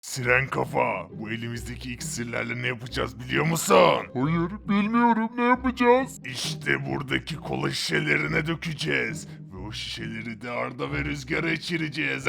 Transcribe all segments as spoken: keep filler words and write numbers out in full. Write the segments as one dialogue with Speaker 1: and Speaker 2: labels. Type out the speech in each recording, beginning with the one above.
Speaker 1: Siren kafa, bu elimizdeki iksirlerle ne yapacağız biliyor musun?
Speaker 2: Hayır, bilmiyorum, ne yapacağız?
Speaker 1: İşte buradaki kola şişelerine dökeceğiz. Ve o şişeleri de Arda ve Rüzgar'a içireceğiz.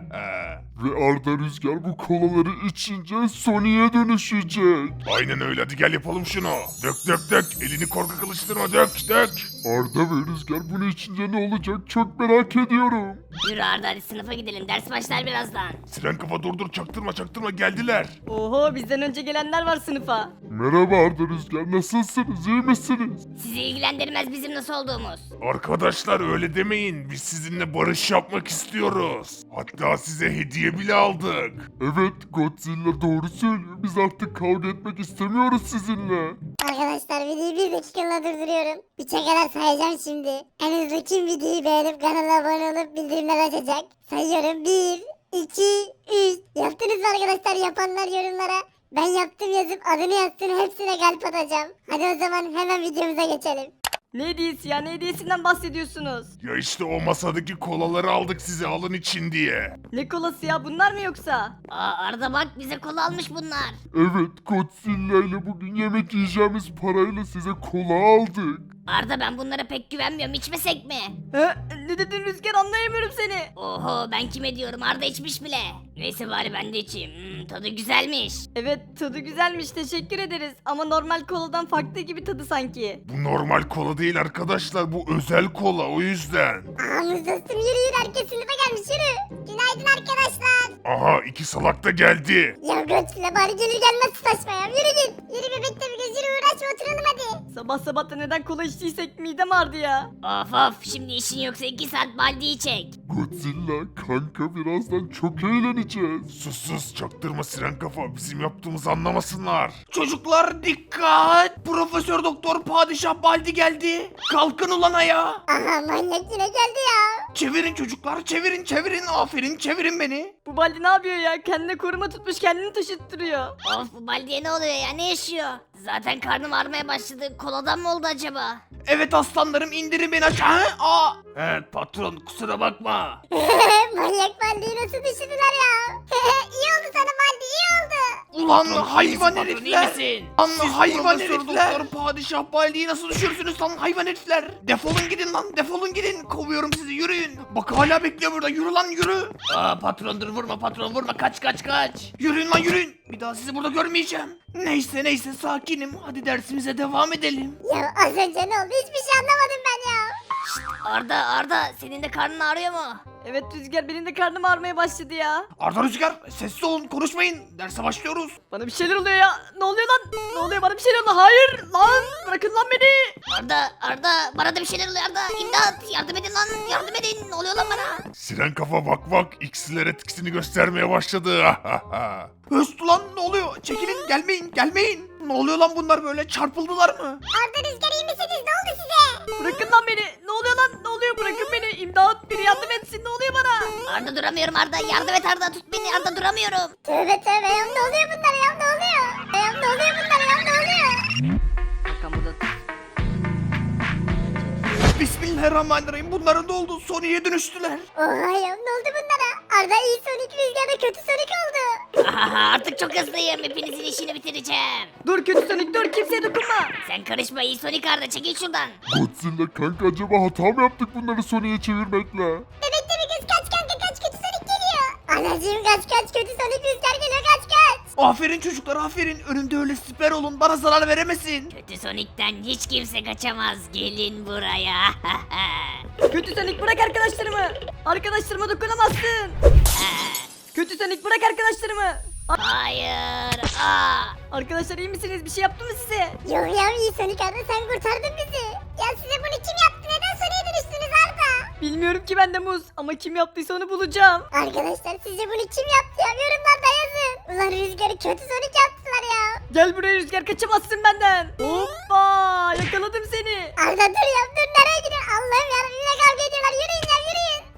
Speaker 2: Ve Arda Rüzgar bu kolaları içince Sony'e dönüşecek.
Speaker 1: Aynen öyle, hadi gel yapalım şunu. Dök dök dök, elini korkak alıştırma, dök dök.
Speaker 2: Arda ve Rüzgar bunu içince ne olacak çok merak ediyorum.
Speaker 3: Yürü Arda hadi sınıfa gidelim. Ders başlar birazdan.
Speaker 1: Siren kafa dur dur, çaktırma çaktırma, geldiler.
Speaker 4: Oho bizden önce gelenler var sınıfa.
Speaker 2: Merhaba Arda Rüzgar, nasılsınız, iyi misiniz?
Speaker 3: Sizi ilgilendirmez bizim nasıl olduğumuz.
Speaker 1: Arkadaşlar öyle demeyin, biz sizinle barış yapmak istiyoruz. Hatta size hediye bile aldık.
Speaker 2: Evet, Godzilla doğru söylüyor. Biz artık kavga etmek istemiyoruz sizinle.
Speaker 5: Arkadaşlar videoyu bir dakikalığına durduruyorum. Üçe kadar sayacağım şimdi. En hızlı kim videoyu beğenip kanala abone olup bildirimler açacak? Sayıyorum. bir, iki, üç. Yaptınız mı arkadaşlar? Yapanlar yorumlara ben yaptım yazıp adını yazsın, hepsine kalp atacağım. Hadi o zaman hemen videomuza geçelim.
Speaker 4: Ne hediyesi ya, ne hediyesinden bahsediyorsunuz?
Speaker 1: Ya işte o masadaki kolaları aldık size alın için diye.
Speaker 4: Ne kolası ya, bunlar mı yoksa?
Speaker 3: Aa Arda bak bize kola almış bunlar.
Speaker 2: Evet, Godzilla ile bugün yemek yiyeceğimiz parayla size kola aldık.
Speaker 3: Arda ben bunlara pek güvenmiyorum, içmesek mi?
Speaker 4: He? Ne dedin Rüzgar, anlayamıyorum seni.
Speaker 3: Oho ben kime diyorum, Arda içmiş bile. Neyse bari ben de içeyim. Hmm, tadı güzelmiş.
Speaker 4: Evet tadı güzelmiş, teşekkür ederiz. Ama normal koladan farklı gibi tadı sanki.
Speaker 1: Bu normal kola değil arkadaşlar, bu özel kola, o yüzden.
Speaker 5: Ağamız dostum, yürü yürü, herkes sınıfa gelmiş, yürü. Günaydın arkadaşlar.
Speaker 1: Aha, iki salak da geldi.
Speaker 5: Ya Godzilla bari gelir gelmez tutaşma ya, yürü git. Yürü bebekle bir göz, yürü, uğraşma, oturalım hadi.
Speaker 4: Sabah sabah da neden kola içtiysek midem ağrıdı ya.
Speaker 3: Of of şimdi işin yoksa iki saat baldiyi çek.
Speaker 2: Godzilla kanka, birazdan çok eğleneceğiz.
Speaker 1: Sus sus, çaktırma Siren kafa, bizim yaptığımızı anlamasınlar.
Speaker 6: Çocuklar dikkat! Profesör Doktor Padişah Baldi geldi. Kalkın ulan ayağa.
Speaker 5: Aha, manyak yine geldi ya.
Speaker 6: Çevirin çocuklar, çevirin çevirin. Aferin, çevirin beni.
Speaker 4: Bu Baldi ne yapıyor ya? Kendine koruma tutmuş, kendini taşıttırıyor.
Speaker 3: Of bu baldiye ne oluyor ya, ne yaşıyor? Zaten karnım ağrımaya başladı, koladan mı oldu acaba?
Speaker 6: Evet aslanlarım, indirin beni aşağı. Hı? Aa. Evet patron, kusura bakma.
Speaker 5: Manyak Baldi'yi nasıl düşürdüler ya? İyi oldu sana Baldi, iyi oldu.
Speaker 6: Ulan
Speaker 3: Patron,
Speaker 6: hayvan
Speaker 3: iyi misin?
Speaker 6: herifler.
Speaker 3: Patron, iyi misin?
Speaker 6: Lan
Speaker 1: Siz
Speaker 6: hayvan
Speaker 1: Profesör
Speaker 6: herifler.
Speaker 1: Doktor
Speaker 6: Padişah Baldi'yi nasıl düşürsünüz lan hayvan herifler? Defolun gidin lan, defolun gidin. Kovuyorum sizi, yürüyün. Bak hala bekliyor burada, yürü lan yürü. Aa patron dur, vurma patron, vurma, kaç kaç kaç. Yürüyün lan yürüyün. Bir daha sizi burada görmeyeceğim. Neyse neyse, sakinim. Hadi dersimize devam edelim.
Speaker 5: Ya az önce ne oldu, hiçbir şey anlamadım ben ya.
Speaker 3: Arda Arda senin de karnın ağrıyor mu?
Speaker 4: Evet Rüzgar, benim de karnım ağrımaya başladı ya.
Speaker 6: Arda Rüzgar, sessiz olun, konuşmayın. Derse başlıyoruz.
Speaker 4: Bana bir şeyler oluyor ya. Ne oluyor lan? Ne oluyor, bana bir şeyler oluyor. Hayır lan, bırakın lan beni.
Speaker 3: Arda Arda bana da bir şeyler oluyor Arda. İmdat yardım edin lan, yardım edin, ne oluyor lan bana?
Speaker 1: Siren kafa bak bak, iksirler etkisini göstermeye başladı.
Speaker 6: Höst lan, ne oluyor? Çekilin, gelmeyin, gelmeyin. Ne oluyor lan, bunlar böyle çarpıldılar mı?
Speaker 5: Arda Rüzgar, iyi misiniz, ne oldu size?
Speaker 4: Bırakın lan beni. Ne oluyor lan? Ne oluyor? Bırakın beni. İmdat, biri yardım etsin. Ne oluyor bana?
Speaker 3: Arda duramıyorum Arda, yardım et Arda, tut beni Arda, duramıyorum.
Speaker 5: Tövbe tövbe ya, ne oluyor bunlar ya, ne oluyor? Ya ne oluyor bunlar ya, ne oluyor?
Speaker 4: Arkamda da...
Speaker 6: Bismillahirrahmanirrahim. Bunların da oldu. Sony'ye dönüştüler.
Speaker 5: Oha ya, ne oldu bunlara? Arda iyi Sonic, Rüzgar da kötü Sonic oldu.
Speaker 3: Ahaha, artık çok hızlıyım, hepinizin işini bitireceğim.
Speaker 4: Dur kötü Sonic, dur, kimseye dokunma.
Speaker 3: Sen karışma iyi Sonic Arda, çekil şuradan.
Speaker 2: Godzilla kanka, acaba hata mı yaptık bunları Sony'e çevirmekle?
Speaker 5: Bebekte bir kız, kaç kanka, kaç, kötü Sonic geliyor. Anacığım kaç kaç, kötü Sonic, Rüzgar geliyor, kaç kaç.
Speaker 6: Aferin çocuklar, aferin. Önümde öyle siper olun. Bana zarar veremesin.
Speaker 3: Kötü Sonic'ten hiç kimse kaçamaz, gelin buraya.
Speaker 4: Kötü Sonic, bırak arkadaşlarımı. Arkadaşlarıma dokunamazsın. Kötü Sonic, bırak arkadaşlarımı.
Speaker 3: Hayır. Aa.
Speaker 4: Arkadaşlar iyi misiniz? Bir şey yaptı mı size?
Speaker 5: Yok ya, iyi Sonic Arda, sen kurtardın bizi. Ya size bunu kim yaptı, neden Sonic'e dönüştünüz Arda?
Speaker 4: Bilmiyorum ki ben de muz. Ama kim yaptıysa onu bulacağım.
Speaker 5: Arkadaşlar sizce bunu kim yaptı ya, yorumlarda yazın. Ulan Rüzgar'ı kötü Sonic yaptılar ya.
Speaker 4: Gel buraya Rüzgar, kaçamazsın benden. Hoppa, yakaladım seni.
Speaker 5: Arda dur ya, dur, nereye gidiyorsun? Allah'ım yarabbim, yine kavga ediyorlar, yürüyün ya, yürüyün.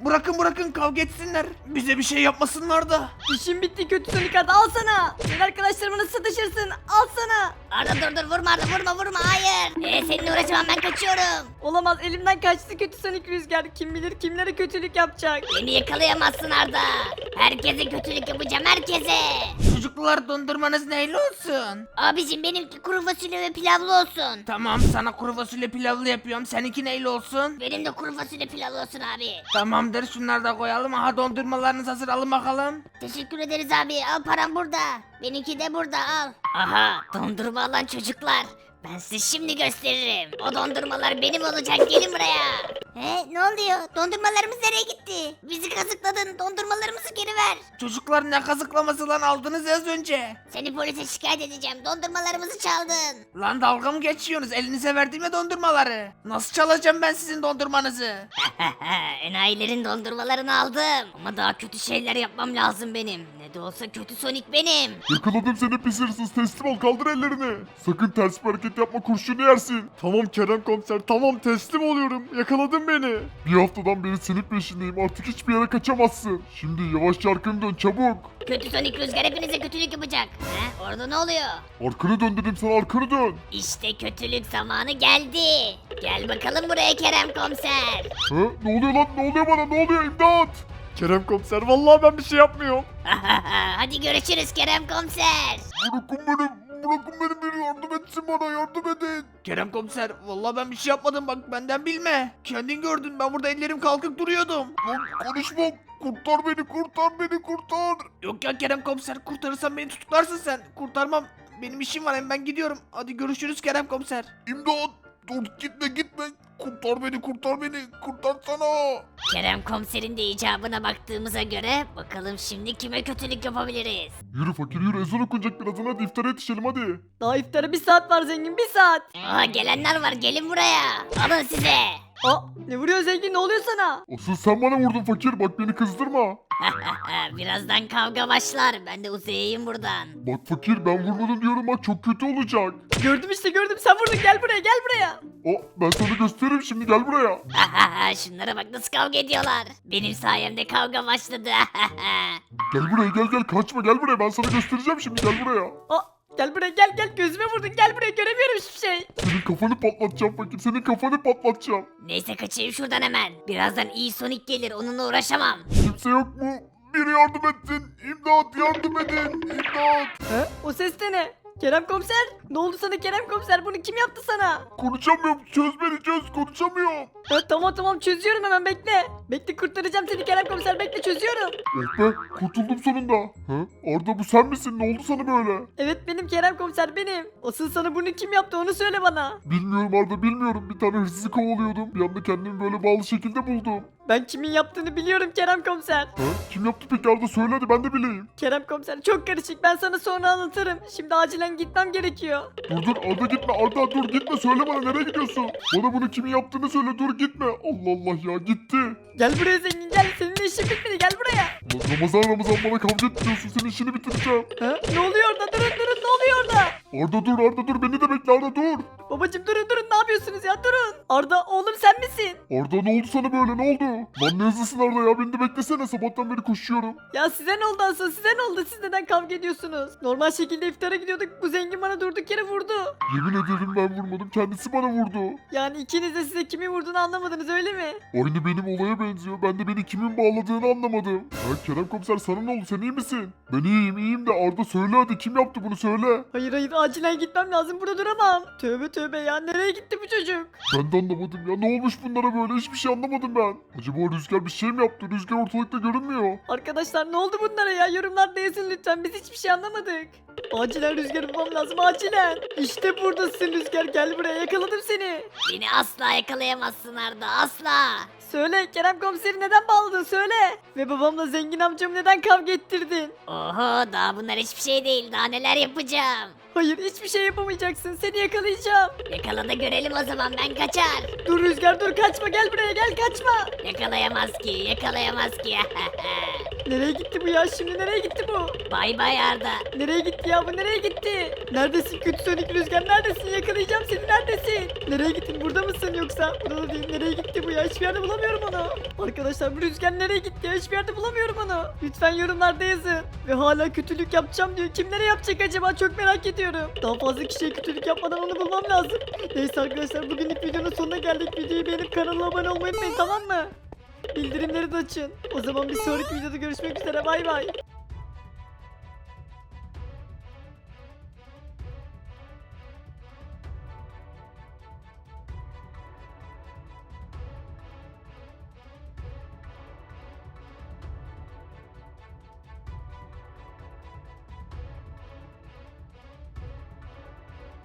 Speaker 6: Bırakın bırakın kavga etsinler. Bize bir şey yapmasınlar da.
Speaker 4: İşin bitti kötü Sonic Arda al sana. Sen arkadaşlarımla satışırsın al sana.
Speaker 3: Arda dur dur vurma Arda vurma vurma hayır. Ee, seninle uğraşamam ben kaçıyorum.
Speaker 4: Olamaz elimden kaçtı kötü Sonic Rüzgar. Kim bilir kimlere kötülük yapacak.
Speaker 3: Beni yakalayamazsın Arda. Herkese kötülük yapacağım herkese.
Speaker 6: Çocuklar dondurmanız neyle olsun?
Speaker 3: Abicim benimki kuru fasulye ve pilavlı olsun.
Speaker 6: Tamam sana kuru fasulye pilavlı yapıyorum. Seninki neyle olsun?
Speaker 3: Benim de kuru fasulye pilavlı olsun abi.
Speaker 6: Tamamdır şunları da koyalım. Aha dondurmalarınız hazır alın bakalım.
Speaker 3: Teşekkür ederiz abi. Al param burada. Benimki de burada al. Aha dondurma alan çocuklar. Ben size şimdi gösteririm. O dondurmalar benim olacak. Gelin buraya. He ne oluyor? Dondurmalarımız nereye gitti? Bizi kazıkladın. Dondurmalarımızı geri ver.
Speaker 6: Çocuklar ne kazıklaması lan aldınız ya az önce.
Speaker 3: Seni polise şikayet edeceğim. Dondurmalarımızı çaldın.
Speaker 6: Lan dalga mı geçiyorsunuz? Elinize verdim ya dondurmaları. Nasıl çalacağım ben sizin dondurmanızı?
Speaker 3: Enayilerin dondurmalarını aldım. Ama daha kötü şeyler yapmam lazım benim. Ne de olsa kötü Sonic benim.
Speaker 2: Yakaladım seni pis hırsız, teslim ol, kaldır ellerini. Sakın ters bir hareket yapma, kurşunu yersin. Tamam Kerem komiser, tamam teslim oluyorum. Yakaladın beni. Bir haftadan beri senin peşindeyim, artık hiçbir yere kaçamazsın. Şimdi yavaşça arkanı dön çabuk.
Speaker 3: Kötü Sonic Rüzgar hepinize kötülük yapacak. He? Orada ne oluyor?
Speaker 2: Arkanı dön dedim sana, arkanı dön.
Speaker 3: İşte kötülük zamanı geldi. Gel bakalım buraya Kerem komiser.
Speaker 2: Ha? Ne oluyor lan, ne oluyor bana, ne oluyor, imdat. Kerem komiser, vallahi ben bir şey yapmıyorum.
Speaker 3: Hadi görüşürüz Kerem komiser.
Speaker 2: Bırakın beni, bırakın beni, biri yardım etsin bana, yardım edin.
Speaker 6: Kerem komiser vallahi ben bir şey yapmadım bak benden bilme. Kendin gördün ben burada ellerim kalkıp duruyordum.
Speaker 2: Lan konuşma, kurtar beni, kurtar beni, kurtar.
Speaker 6: Yok ya Kerem komiser kurtarırsan beni tutuklarsın sen. Kurtarmam. Benim işim var hem ben gidiyorum. Hadi görüşürüz Kerem komiser.
Speaker 2: İmdat, dur gitme gitme. Kurtar beni, kurtar beni, kurtarsana.
Speaker 3: Kerem komiserin de icabına baktığımıza göre bakalım şimdi kime kötülük yapabiliriz.
Speaker 2: Yürü fakir yürü, ezan okunacak birazdan, hadi iftara yetişelim hadi.
Speaker 4: Daha iftara bir saat var zengin bir saat.
Speaker 3: Aa gelenler var gelin buraya. Alın size.
Speaker 4: Aa ne vuruyor zengin ne oluyor sana?
Speaker 2: Asıl sen bana vurdun fakir, bak beni kızdırma.
Speaker 3: Birazdan kavga başlar. Ben de uzayayım buradan.
Speaker 2: Bak fakir, ben vurmadım diyorum, bak çok kötü olacak.
Speaker 4: Gördüm işte gördüm sen vurdun gel buraya gel buraya.
Speaker 2: O ben sana gösteririm şimdi, gel buraya.
Speaker 3: Şunlara bak nasıl kavga ediyorlar. Benim sayemde kavga başladı.
Speaker 2: Gel buraya, gel gel, kaçma, gel buraya, ben sana göstereceğim şimdi, gel buraya.
Speaker 4: Aa gel buraya gel gel gözüme vurdun gel buraya göremiyorum hiçbir şey.
Speaker 2: Senin kafanı patlatacağım fakir, senin kafanı patlatacağım.
Speaker 3: Neyse kaçayım şuradan hemen. Birazdan iyi Sonic gelir onunla uğraşamam.
Speaker 2: Kimse yok mu? Biri yardım etsin, imdat, yardım edin, imdat.
Speaker 4: He? O ses de ne? Kerem komiser? Ne oldu sana Kerem komiser? Bunu kim yaptı sana?
Speaker 2: Konuşamıyorum, çöz beni çöz, konuşamıyorum.
Speaker 4: Ha, tamam tamam çözüyorum hemen bekle. Bekle kurtaracağım seni Kerem komiser bekle çözüyorum.
Speaker 2: Oh be, kurtuldum sonunda. Ha? Arda bu sen misin, ne oldu sana böyle?
Speaker 4: Evet benim Kerem komiser benim. Asıl sana bunu kim yaptı onu söyle bana.
Speaker 2: Bilmiyorum Arda, bilmiyorum. Bir tane hırsızı kovalıyordum. Bir anda kendimi böyle bağlı şekilde buldum.
Speaker 4: Ben kimin yaptığını biliyorum Kerem komiser.
Speaker 2: Ha? Kim yaptı peki Arda, söyle hadi, ben de bileyim.
Speaker 4: Kerem komiser çok karışık ben sana sonra anlatırım. Şimdi acilen gitmem gerekiyor.
Speaker 2: Dur dur Arda, gitme Arda, dur gitme, söyle bana, nereye gidiyorsun? Bana bunu kimin yaptığını söyle, dur gitme. Allah Allah ya, gitti.
Speaker 4: Gel buraya zengin gel seninle işim bitmedi gel buraya.
Speaker 2: Lan Ramazan Ramazan bana kavga etmiyorsun, senin işini bitireceğim.
Speaker 4: Ha? Ne oluyor orada durun durun ne oluyor orada?
Speaker 2: Arda dur, Arda dur, beni de bekle Arda, dur.
Speaker 4: Babacım durun durun ne yapıyorsunuz ya durun. Arda oğlum sen misin?
Speaker 2: Arda ne oldu sana böyle, ne oldu? Lan ne hızlısın Arda ya, beni de beklesene, sabahtan beri koşuyorum.
Speaker 4: Ya size ne oldu asıl size ne oldu siz neden kavga ediyorsunuz? Normal şekilde iftara gidiyorduk bu zengin bana durduk yere vurdu.
Speaker 2: Yemin ederim ben vurmadım, kendisi bana vurdu.
Speaker 4: Yani ikiniz de size kimin vurduğunu anlamadınız öyle mi?
Speaker 2: Aynı benim olaya benziyor, ben de beni kimin bağladığını anlamadım. Ya Kerem komiser, sana ne oldu, sen iyi misin? Ben iyiyim iyiyim de Arda söyle hadi, kim yaptı bunu söyle.
Speaker 4: Hayır hayır acilen gitmem lazım burada duramam. Tövbe tövbe ya nereye gitti bu çocuk?
Speaker 2: Ben de anlamadım ya, ne olmuş bunlara böyle, hiçbir şey anlamadım ben. Acaba Rüzgar bir şey mi yaptı, Rüzgar ortalıkta görünmüyor.
Speaker 4: Arkadaşlar ne oldu bunlara ya yorumlarda yazın lütfen biz hiçbir şey anlamadık. Acilen Rüzgar'ı bulmam lazım acilen. İşte buradasın Rüzgar gel buraya yakaladım seni.
Speaker 3: Beni asla yakalayamazsın Arda asla.
Speaker 4: Söyle Kerem komiseri neden bağladın söyle. Ve babamla zengin amcamı neden kavga ettirdin?
Speaker 3: Oho daha bunlar hiçbir şey değil daha neler yapacağım.
Speaker 4: Hayır hiçbir şey yapamayacaksın seni yakalayacağım.
Speaker 3: Yakala da görelim o zaman ben kaçar.
Speaker 4: Dur Rüzgar dur kaçma gel buraya gel kaçma.
Speaker 3: Yakalayamaz ki yakalayamaz ki.
Speaker 4: Nereye gitti bu ya şimdi nereye gitti bu?
Speaker 3: Bay bay Arda.
Speaker 4: Nereye gitti ya bu nereye gitti? Neredesin kötü Sonic Rüzgar neredesin yakalayacağım seni neredesin? Nereye gittin burada mısın yoksa? Burada da değil nereye gitti bu ya hiçbir yerde bulamıyorum onu. Arkadaşlar bu Rüzgar nereye gitti ya hiçbir yerde bulamıyorum onu. Lütfen yorumlarda yazın. Ve hala kötülük yapacağım diyor. Kimlere yapacak acaba çok merak ediyorum. Daha fazla kişiye kötülük yapmadan onu bulmam lazım. Neyse arkadaşlar bugünlük videonun sonuna geldik. Videoyu beğenip kanala abone olmayı unutmayın tamam mı? Bildirimleri de açın. O zaman bir sonraki videoda görüşmek üzere bay bay.